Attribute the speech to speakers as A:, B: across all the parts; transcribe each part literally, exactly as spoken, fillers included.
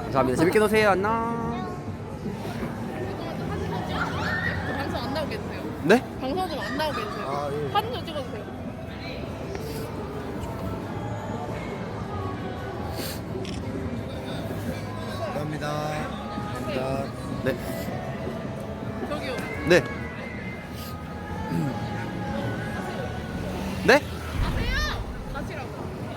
A: 감사합니다. 재밌게 노세요. 안녕.
B: 방송 안 나오게 해주세요.
A: 네?
B: 방송 좀 안 나오게 해주세요.
C: 아, 예.
B: 사진 좀 찍어주세요.
C: 감사합니다. 감사합니다.
A: 네.
B: 저기요.
A: 네. 네?
B: 아세요? 같이라고.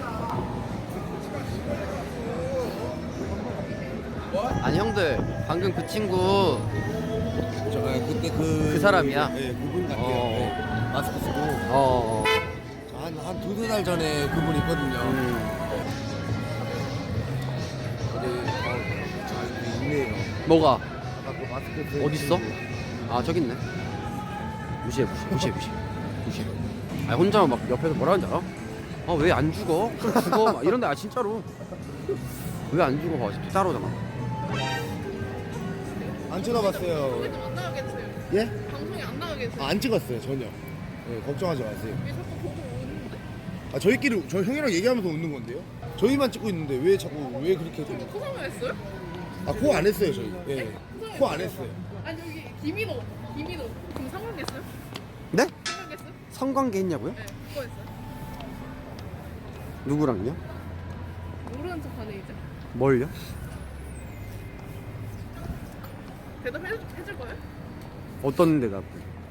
A: 아니 형들 방금 그 친구
C: 저 아, 그때 그
A: 그 사람이야?
C: 네, 그분 같아요.
A: 어.
C: 네, 마스크 쓰고
A: 어.
C: 한한 두세 달 전에 그분 있거든요.
A: 음.
C: 근데 아, 잘 있네요.
A: 뭐가?
C: 아까 그 마스크 쓴
A: 어디 있어?
C: 친구.
A: 아 저기 있네. 무시해 무시해 무시해 무시해 무시해. 아 혼자 막 옆에서 뭐라 하는지 알아? 아 왜 안 죽어? 그럼 죽어 막 이런데 아 진짜로 왜 안 죽어? 봐 따라오잖아.
C: 안 쳐다봤어요.
B: 방송 안 나오게 해주세요.
C: 예?
B: 방송이 안 나오게 해주세요.
C: 아, 안 찍었어요 전혀. 네, 걱정하지 마세요.
B: 왜 자꾸 보고 오는데?
C: 아 저희끼리 저 형이랑 얘기하면서 웃는 건데요? 저희만 찍고 있는데 왜 자꾸 왜 그렇게 좀...
B: 코 설명했어요?
C: 아코 안 했어요 저희. 예. 코 안 했어요.
B: 아니 여기 김인호, 김인호. 그럼 상관겠어요?
A: 네?
B: 상관겠어요?
A: 성관계 했냐고요?
B: 네, 그거 했어요.
A: 누구랑요?
B: 모르는 척하네 이제.
A: 뭘요?
B: 대답 해줄, 해줄 거예요?
A: 어떤 대답?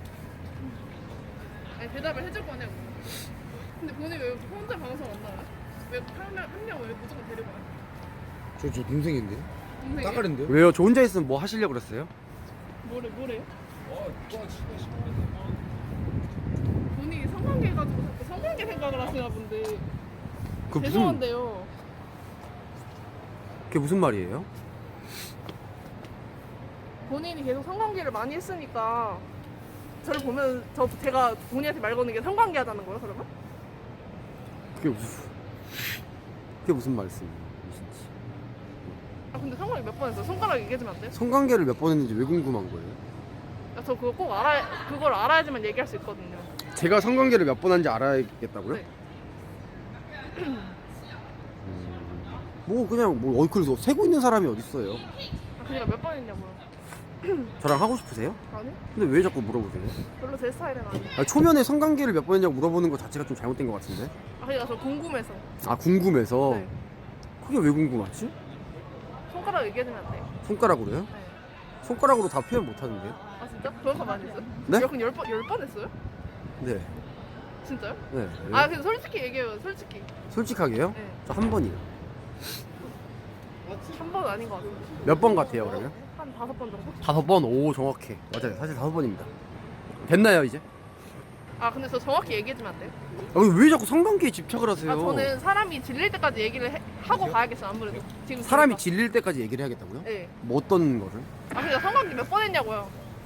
B: 아니 대답을 해줄 거냐고. 근데 본인 왜 혼자 방송 안 나와요? 왜한명한명 왜 무조건 데리고 와요?
C: 저 저 동생인데.
B: 동생이?
C: 따까린데요?
A: 왜요? 저 혼자 있으면 뭐 하시려고 그랬어요?
B: 뭐래 뭐래요? 본인이 성관계 해가지고 자꾸 성관계 생각을 하시나 본데.
A: 그 무슨
B: 죄송한데요.
A: 그게 무슨 말이에요?
B: 본인이 계속 성관계를 많이 했으니까 저를 보면 저 제가 본인한테 말 거는 게 성관계 하자는 거예요 그러면?
A: 그게 무슨 그게 무슨 말씀이에요? 무슨지.
B: 아 근데 성관계 몇 번 했어요? 손가락 얘기해주면 안 돼요?
A: 성관계를 몇 번 했는지 왜 궁금한 거예요?
B: 아, 저 그거 꼭 알아 그걸 알아야지만 얘기할 수 있거든요.
A: 제가 성관계를 몇 번 한지 알아야겠다고요?
B: 네.
A: 뭐 그냥 뭐 어이 그래서 세고 있는 사람이 어디 있어요?
B: 아 그니까 몇 번 했냐고요?
A: 저랑 하고 싶으세요?
B: 아니?
A: 근데 왜 자꾸 물어보세요?
B: 별로 제 스타일은 아니에요.
A: 아, 초면에 성관계를 몇 번 했냐고 물어보는 것 자체가 좀 잘못된 것 같은데?
B: 아 그니까 저 궁금해서.
A: 아 궁금해서?
B: 네.
A: 그게 왜 궁금하지?
B: 손가락 얘기해주면 안 돼요?
A: 손가락으로요?
B: 네.
A: 손가락으로 다 표현 못 하는데요?
B: 아 진짜? 그런 거 많이 했어요?
A: 네?
B: 그럼 열 번, 열 번 했어요?
A: 네.
B: 진짜요?
A: 네.
B: 아 근데 솔직히 얘기해요 솔직히.
A: 솔직하게요?
B: 네.
A: 저 한 번이요.
B: 한 번 아닌 것 같아요.
A: 몇 번 같아요 그러면?
B: 한 다섯 번 정도?
A: 다섯 번? 오 정확해. 맞아요. 사실 다섯 번입니다. 됐나요 이제?
B: 아 근데 저 정확히 얘기해주면 안 돼요?
A: 아, 왜 자꾸 성관계에 집착을 하세요?
B: 아 저는 사람이 질릴 때까지 얘기를 해, 하고 가야겠어요 아무래도 지금
A: 사람이
B: 들으니까.
A: 질릴 때까지 얘기를 해야겠다고요?
B: 네.
A: 뭐 어떤 거를?
B: 아 그니까 성관계 몇 번 했냐고요.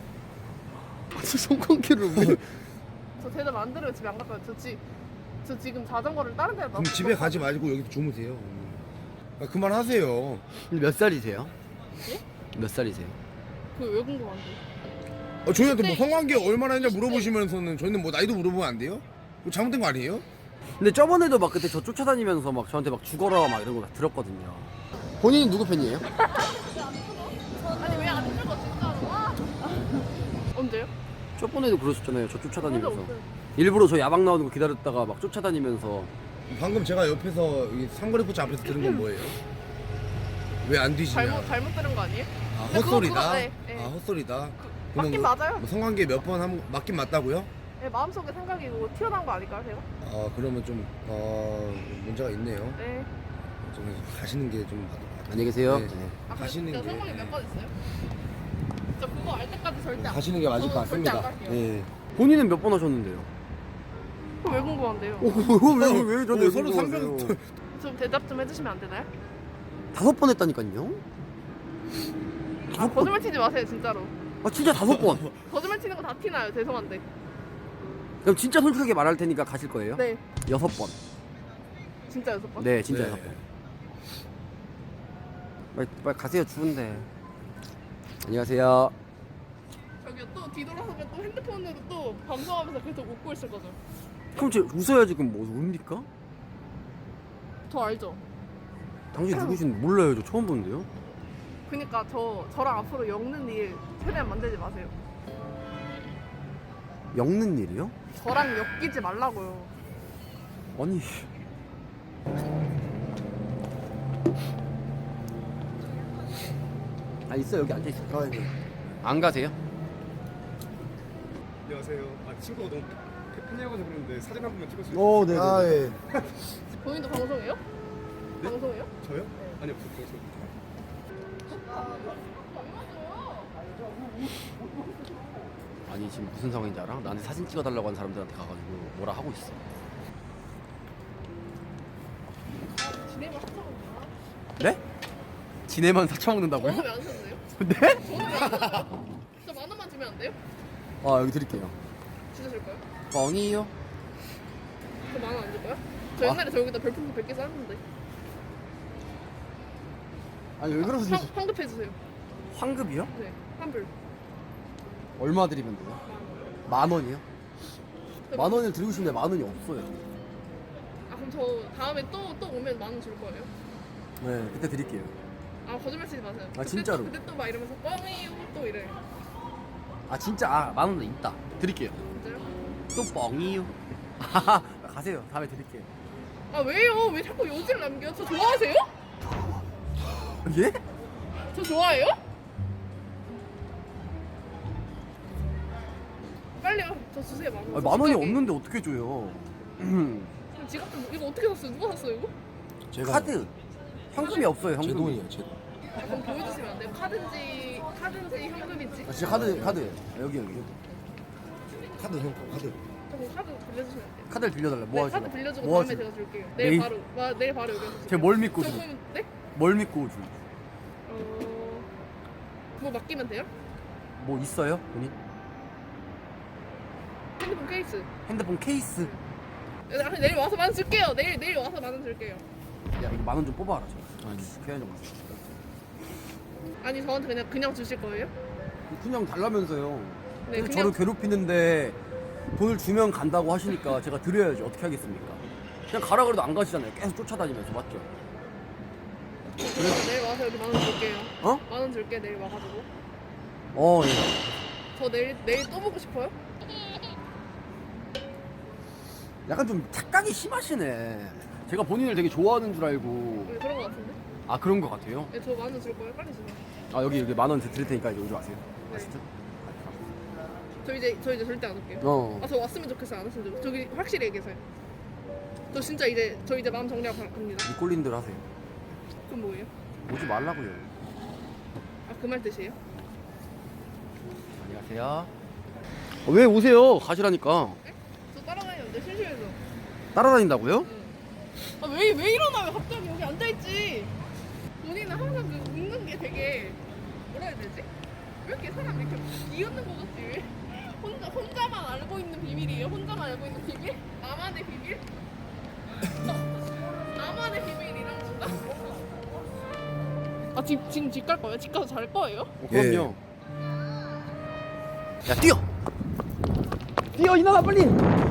A: 성관계를 왜?
B: 저 대답 안 들으면 집에 안 갈 거예요. 저, 지, 저 지금 자전거를 다른 데다
C: 그럼 집에 가지 말고 여기서 주무세요. 아, 그만하세요.
A: 몇 살이세요?
B: 예?
A: 몇 살이세요?
B: 그왜 궁금한데?
C: 아, 저희한테 뭐
B: 근데-
C: 성관계 얼마나 했냐 물어보시면서는 저희는 뭐 나이도 물어보면 안 돼요? 뭐 잘못된 거 아니에요?
A: 근데 저번에도 막 그때 저 쫓아다니면서 막 저한테 막 죽어라 막 이런 거 다 들었거든요. 본인은 누구 팬이에요?
B: 아니 왜 안 들고 진짜로? 와. 언제요?
A: 저번에도 그러셨잖아요. 저 쫓아다니면서.
B: 언제 없어요.
A: 일부러 저 야방 나오는 거 기다렸다가 막 쫓아다니면서.
C: 방금 제가 옆에서 이 삼거리 포차 앞에서 들은 건 뭐예요? 왜 안 뒤지냐?
B: 잘못 잘못 들은 거 아니에요?
C: 아
B: 근데 그거-
C: 헛소리다.
B: 그거- 네, 네.
C: 아 헛소리다.
B: 그, 맞긴 맞아요.
C: 뭐 성관계 몇 번 한 맞긴 맞다고요?
B: 네, 마음속에 생각이 뭐 튀어나온 거 아닐까요, 제가?
C: 아 그러면 좀 어, 문제가 있네요.
B: 네.
C: 좀 가시는 게 좀
A: 안녕히 계세요.
C: 네.
A: 네.
B: 아,
C: 가시는
B: 저
C: 게-
B: 성관계 몇 번 했어요? 저 그거 알 때까지 절대 안.
C: 가시는 게 맞을 것
B: 저는 절대 안
C: 같습니다.
B: 갈게요.
C: 예.
A: 본인은 몇 번 하셨는데요?
B: 그거 왜 궁금한데요?
A: 왜왜왜 저한테
C: 어, 서로
A: 궁금하세요?
C: 상병-
B: 좀 대답 좀 해주시면 안 되나요?
A: 다섯 번 했다니까요?
B: 아
A: 다섯 번?
B: 거짓말 치지 마세요 진짜로.
A: 아 진짜 다섯 번.
B: 거짓말 치는 거 다 티나요. 죄송한데.
A: 그럼 진짜 솔직하게 말할 테니까 가실 거예요?
B: 네.
A: 여섯 번.
B: 진짜 여섯 번?
A: 네, 진짜
C: 네.
A: 여섯 번. 빨리 빨리 가세요. 추운데. 안녕하세요.
B: 저기요 또 뒤돌아서면 또 핸드폰으로 또 방송하면서 계속 웃고 있을 거죠.
A: 그럼 제 웃어야지. 그럼 뭐 웁니까?
B: 저 알죠?
A: 당신 누구신 몰라요. 저 처음 보는데요.
B: 그니까 저 저랑 앞으로 엮는 일 최대한 만들지 마세요.
A: 엮는 일이요?
B: 저랑 엮이지 말라고요.
A: 아니 아 있어 여기 앉아 있어.
C: 아, 네.
A: 안 가세요?
D: 안녕하세요. 아, 친구가 너무 팬이어가지고 그러는데 사진 한 번만 찍어주세요.
C: 오, 네. 아, 예.
B: 본인도 방송해요?
D: 네?
B: 방송해요?
D: 저요? 아니요, 저, 저, 저.
A: 아니 지금 무슨 상황인지 알아? 나한테 사진 찍어달라고 한 사람들한테 가가지고 뭐라 하고 있어.
B: 진행을 하자고.
A: 네? 지네만 사쳐먹는다고요?
B: 저는 왜안 샀네요?
A: 네?
B: 저는 왜안 샀어요? 저만 원만 주면 안 돼요?
A: 아 여기 드릴게요.
B: 주실 거예요?
A: 뻥이요?
B: 저 만 원 안 줄 거야? 저
A: 아.
B: 옛날에 저 여기다 별풍선 백 개 쌌는데.
A: 아니 왜 그러세요?
B: 황, 환급해 주세요.
A: 환급이요?
B: 네, 환불.
A: 얼마 드리면 돼요? 만 원이요?
B: 네,
A: 만 원을 드리고 싶은데 만 원이 없어요.
B: 아 그럼 저 다음에 또 또 오면 만 원 줄 거예요?
A: 네 그때 드릴게요.
B: 아 거짓말 치지 마세요.
A: 아,
B: 그때
A: 진짜로?
B: 또, 그때 또 막 이러면서 뻥이요 또 이래.
A: 아 진짜 아 만 원도 있다. 드릴게요.
B: 진짜요?
A: 또 뻥이요. 하하 가세요. 다음에 드릴게요.
B: 아 왜요? 왜 자꾸 요지를 남겨? 저 좋아하세요?
A: 예?
B: 저 좋아해요? 빨리요. 저 주세요 만 원.
A: 아, 만 원이 없는데 어떻게 줘요?
B: 그럼 지갑 좀 이거 어떻게 샀어요? 누가 샀어요 이거?
C: 제가
A: 카드. 현금이 없어요.
C: 제
A: 현금.
C: 돈이에요, 제 돈.
B: 아, 그럼 보여주시면 안 돼요? 카드인지 카드인지 현금인지?
A: 아, 진짜 카드 카드. 아, 여기 여기.
C: 카드 형, 카드.
B: 저 그럼 카드 빌려주시면 안 돼요?
A: 카드를 빌려달라.
B: 네,
A: 뭐 하시나?
B: 카드 빌려주고
A: 뭐
B: 다음에
A: 하시나?
B: 제가 줄게요. 내일,
A: 내일?
B: 바로 와, 내일 바로 여기 와서
A: 제가 뭘 믿고
B: 저
A: 줘?
B: 그러면 네?
A: 뭘 믿고 줘?
B: 어... 뭐 맡기면 돼요?
A: 뭐 있어요? 본인?
B: 핸드폰 케이스.
A: 핸드폰 케이스.
B: 아, 내일 와서 만 원 줄게요. 내일 내일 와서 만 원 줄게요.
A: 야 이거 만 원 좀 뽑아라. 저. 아니 그냥 좀.
B: 아니 저한테 그냥 그냥 주실 거예요?
A: 그냥 달라면서요.
B: 네,
A: 그래서
B: 그냥
A: 저를 괴롭히는데 돈을 주면 간다고 하시니까 제가 드려야지 어떻게 하겠습니까? 그냥 가라 그래도 안 가시잖아요. 계속 쫓아다니면서 맞죠?
B: 내일 와서 여기 만 원 줄게요.
A: 어?
B: 만 원 줄게 내일 와가지고.
A: 어 예.
B: 저 내일 내일 또 보고 싶어요?
A: 약간 좀 착각이 심하시네. 제가 본인을 되게 좋아하는 줄 알고.
B: 네, 그런 거 같은데?
A: 아 그런 것 같아요.
B: 네, 저 만 원 줄 거예요. 빨리 주세요.
A: 아 여기 여기 만 원 드릴 테니까 이제 오지 마세요.
B: 네.
A: 아시죠?
B: 저 이제 저 이제 절대 안 올게요.
A: 어.
B: 아 저 왔으면 좋겠어요. 안 왔으면 좋겠어요. 저기 확실히 얘기해서요. 저 진짜 이제 저 이제 마음 정리하고 가- 갑니다.
A: 이 꼴린 대로 하세요.
B: 그럼 뭐예요?
A: 오지 말라고요.
B: 아 그 말 뜻이에요?
A: 안녕하세요. 어, 왜 오세요? 가시라니까.
B: 네? 저 따라다니는데 심심해서.
A: 따라다닌다고요?
B: 응. 아왜 왜 일어나요? 갑자기 여기 앉아 있지. 본인은 항상 그 웃는 게 되게 뭐라 해야 되지? 왜 이렇게 사람 이렇게 비웃는 거 같지? 왜? 혼자 혼자만 알고 있는 비밀이에요? 혼자만 알고 있는 비밀? 나만의 비밀? 나만의 비밀이란 건가? 아 집, 지금 집 갈 거예요? 집 가서 잘 거예요?
A: 어, 그럼요. 야 뛰어. 뛰어 이나가 빨리.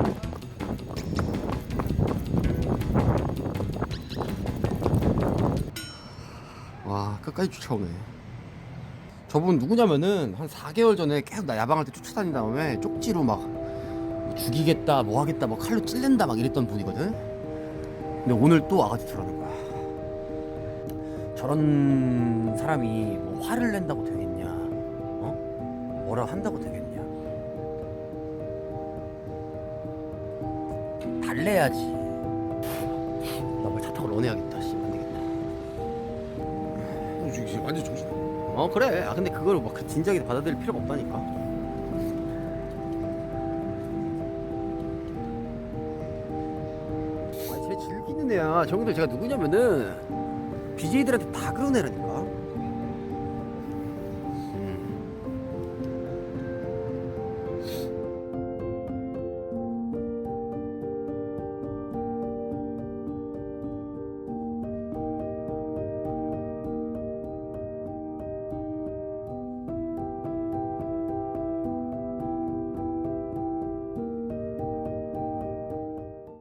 A: 와 끝까지 쫓아오네. 저분 누구냐면은 한 사 개월 전에 계속 나 야방할 때 쫓아다닌 다음에 쪽지로 막 죽이겠다 뭐 하겠다 뭐 칼로 찔른다 막 이랬던 분이거든. 근데 오늘 또 와가지고 저러는 거야. 저런 사람이 뭐 화를 낸다고 되겠냐, 어? 뭐라 한다고 되겠냐. 달래야지. 나 말 차 타고 런해야겠다. 씨, 안 되겠다.
C: 형 지금 완전 정신.
A: 어 그래. 아 근데 그걸 막 그 진지하게 받아들일 필요가 없다니까. 아, 쟤 즐기는 애야. 저기들 제가 누구냐면은 비제이들한테 다 그런 애라니까.